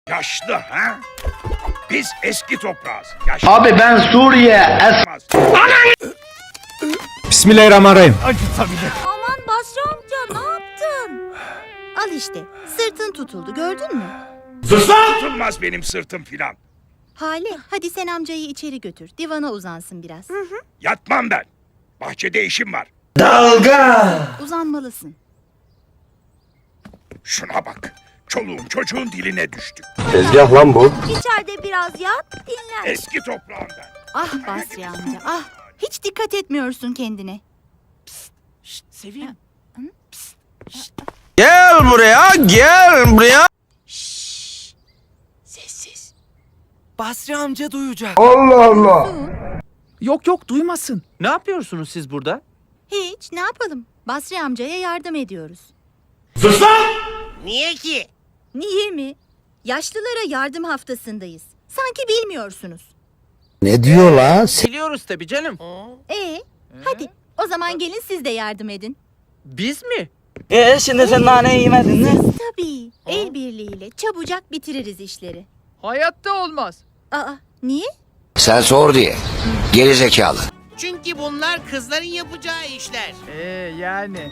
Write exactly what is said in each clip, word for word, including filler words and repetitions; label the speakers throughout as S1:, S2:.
S1: Yaşlı ha? Biz eski toprağız. Yaşlı.
S2: Abi ben Suriye es...
S3: Bismillahirrahmanirrahim.
S4: Aman Basri amca ne yaptın? Al işte sırtın tutuldu gördün mü?
S1: Tutulmaz benim sırtım filan.
S4: Hale hadi sen amcayı içeri götür. Divana uzansın biraz.
S1: Yatmam ben. Bahçede işim var.
S4: Uzanmalısın.
S1: Şuna bak. Çoluğun çocuğun diline düştük.
S2: Tezgah lan bu.
S4: İçeride biraz yat dinlen.
S1: Eski toprağından.
S4: Ah Basri amca ah. Hiç dikkat etmiyorsun kendine.
S5: Sevim.
S3: Gel buraya, gel buraya.
S5: Sessiz. Basri amca duyacak.
S2: Allah Allah.
S5: Yok yok duymasın. Ne yapıyorsunuz siz burada?
S4: Hiç ne yapalım? Basri amcaya yardım ediyoruz.
S6: Niye ki?
S4: Niye mi? Yaşlılara yardım haftasındayız. Sanki bilmiyorsunuz.
S3: Ne diyor la?
S5: Biliyoruz tabii canım.
S4: Ee, hadi o zaman gelin siz de yardım edin.
S5: Biz mi?
S7: Ee şimdi sen naneyi yemedin mi?
S4: Tabii el birliğiyle çabucak bitiririz işleri.
S5: Hayatta olmaz.
S4: Aa niye?
S8: Sen sor diye. Geri zekalı.
S6: Çünkü bunlar kızların yapacağı işler.
S5: Ee yani.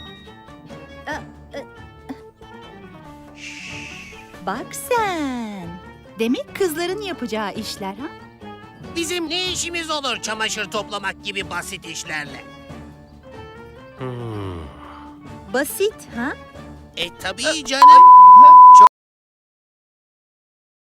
S4: Bak sen. Demek kızların yapacağı işler ha?
S6: Bizim ne işimiz olur çamaşır toplamak gibi basit işlerle?
S4: Basit ha?
S6: E tabii canım.